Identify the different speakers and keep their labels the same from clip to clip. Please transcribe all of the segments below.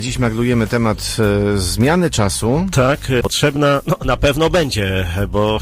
Speaker 1: Dziś maglujemy temat zmiany czasu.
Speaker 2: Tak, potrzebna na pewno będzie, bo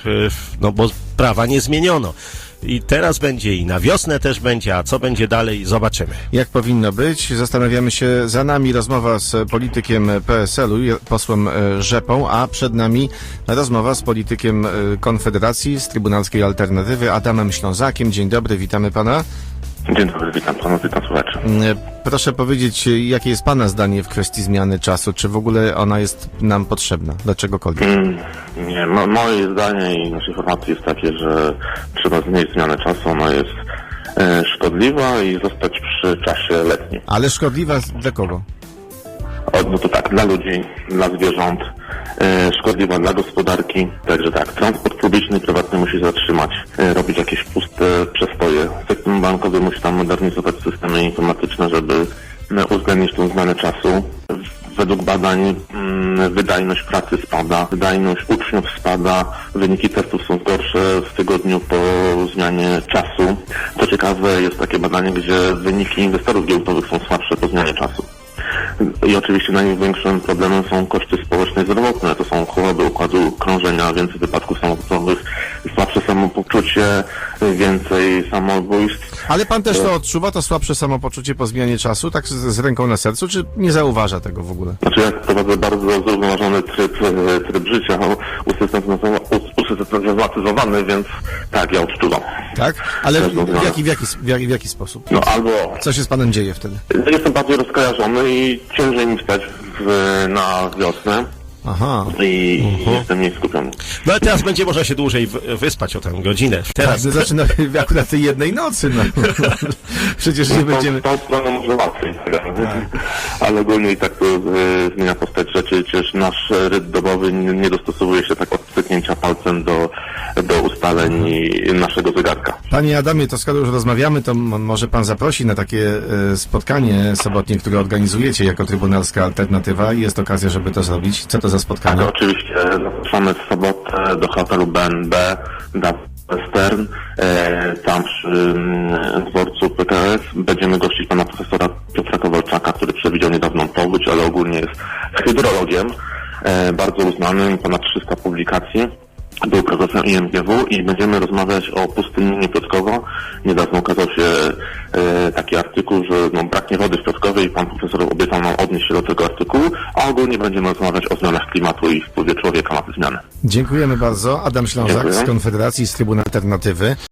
Speaker 2: prawa nie zmieniono. I teraz będzie i na wiosnę też będzie, a co będzie dalej, zobaczymy.
Speaker 1: Jak powinno być? Zastanawiamy się, za nami rozmowa z politykiem PSL-u, posłem Rzepą, a przed nami rozmowa z politykiem Konfederacji, z Trybunalskiej Alternatywy, Adamem Ślązakiem. Dzień dobry, witamy pana.
Speaker 3: Dzień dobry, witam panu, witam słuchaczy.
Speaker 1: Proszę powiedzieć, jakie jest pana zdanie w kwestii zmiany czasu? Czy w ogóle ona jest nam potrzebna? Do czegokolwiek?
Speaker 3: Nie, moje zdanie i nasze informacje jest takie, że trzeba zmienić zmianę czasu. Ona jest szkodliwa i zostać przy czasie letnim.
Speaker 1: Ale szkodliwa dla kogo?
Speaker 3: No to tak, dla ludzi, dla zwierząt, szkodliwa dla gospodarki. Także tak, transport publiczny i prywatny musi zatrzymać, robić jakieś puste przestoje. Sektor bankowy musi tam modernizować systemy informatyczne, żeby uwzględnić tę zmianę czasu. Według badań wydajność pracy spada, wydajność uczniów spada, wyniki testów są gorsze w tygodniu po zmianie czasu. Co ciekawe, jest takie badanie, gdzie wyniki inwestorów giełdowych są słabsze po zmianie czasu. I oczywiście największym problemem są koszty społeczne i zdrowotne. To są choroby układu krążenia, więcej wypadków samochodowych, słabsze samopoczucie, więcej samobójstw.
Speaker 1: Ale pan też to odczuwa, to słabsze samopoczucie po zmianie czasu, tak z ręką na sercu, czy nie zauważa tego w ogóle?
Speaker 3: Znaczy ja prowadzę bardzo zrównoważony tryb życia, usystematyzowany, więc tak, ja odczuwam.
Speaker 1: Tak? Ale w jaki sposób?
Speaker 3: No albo...
Speaker 1: Co się z panem dzieje wtedy?
Speaker 3: Jestem bardziej rozkojarzony i ciężej mi wstać na wiosnę.
Speaker 1: Aha.
Speaker 3: I jestem mniej skupiony.
Speaker 2: No ale teraz będzie można się dłużej wyspać o tę godzinę. Teraz.
Speaker 1: Tak, zaczyna akurat tej jednej nocy, no. Przecież nie będziemy...
Speaker 3: Tą stroną może łatwiej, ale ogólnie i tak to zmienia postać rzeczy. Przecież nasz rytm dobowy nie dostosowuje się tak od styknięcia palcem do ustaleń naszego zegarka.
Speaker 1: Panie Adamie, to skoro już rozmawiamy, to może pan zaprosi na takie spotkanie sobotnie, które organizujecie jako Trybunalska Alternatywa i jest okazja, żeby to zrobić. Co to za spotkanie?
Speaker 3: Tak, oczywiście zapraszamy w sobotę do hotelu BNB na Western. Tam przy dworcu PKS będziemy gościć pana profesora Piotra Kowalczaka, który przewidział niedawną powódź, ale ogólnie jest hydrologiem, bardzo uznanym, ponad 300 publikacji. Był prezesem IMGW i będziemy rozmawiać o pustyninie Piotrkowo. Niedawno ukazał się taki artykuł, że braknie wody w Piotrkowie i pan profesor obiecał nam odnieść się do tego artykułu, a ogólnie będziemy rozmawiać o zmianach klimatu i wpływie człowieka na te zmiany.
Speaker 1: Dziękujemy bardzo. Adam Ślązak z Konfederacji, z Trybunalnej Alternatywy.